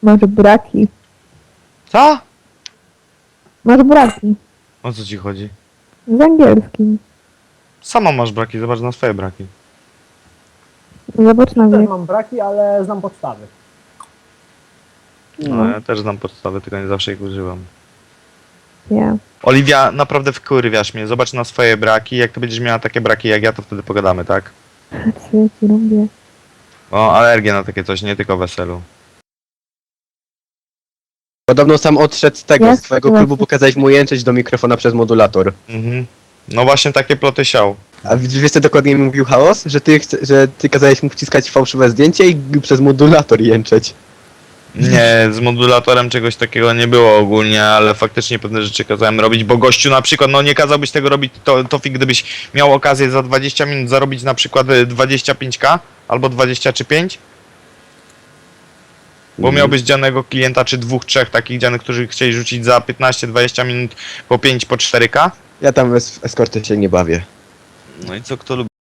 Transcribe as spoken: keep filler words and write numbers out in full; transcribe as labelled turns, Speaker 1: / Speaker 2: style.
Speaker 1: Masz braki.
Speaker 2: Co?
Speaker 1: Masz braki.
Speaker 2: O co ci chodzi?
Speaker 1: Z angielskim.
Speaker 2: Sama masz braki, zobacz na swoje braki.
Speaker 1: Zobacz na
Speaker 3: Też
Speaker 1: wiek.
Speaker 3: mam braki, ale znam podstawy.
Speaker 2: No, ja też znam podstawy, tylko nie zawsze ich używam.
Speaker 1: Ja.
Speaker 2: Oliwia, naprawdę wkurwiasz mnie. Zobacz na swoje braki. Jak ty będziesz miała takie braki jak ja, to wtedy pogadamy, tak?
Speaker 1: Co ja ci robię?
Speaker 2: O, alergię na takie coś, nie tylko weselu.
Speaker 4: Podobno sam odszedł z tego,
Speaker 1: Jak
Speaker 4: z twojego
Speaker 1: to
Speaker 4: klubu,
Speaker 1: właśnie?
Speaker 4: pokazałeś mu jęczeć do mikrofona przez modulator.
Speaker 2: Mhm. No właśnie takie ploty siał.
Speaker 4: A wiesz co dokładnie mówił Chaos? Że ty, chce, że ty kazałeś mu wciskać fałszywe zdjęcie i przez modulator jęczeć.
Speaker 2: Nie, z modulatorem czegoś takiego nie było ogólnie, ale faktycznie pewne rzeczy kazałem robić, bo gościu na przykład, no nie kazałbyś tego robić, to, Tofik, gdybyś miał okazję za dwadzieścia minut zarobić na przykład y, dwadzieścia pięć ka albo dwadzieścia czy pięć, bo
Speaker 4: Mhm.
Speaker 2: miałbyś dzianego klienta czy dwóch, trzech takich dzianych, którzy chcieli rzucić za piętnaście dwadzieścia minut po pięć, po cztery ka.
Speaker 4: Ja tam w es- eskorty się nie bawię.
Speaker 2: No i co kto lubi?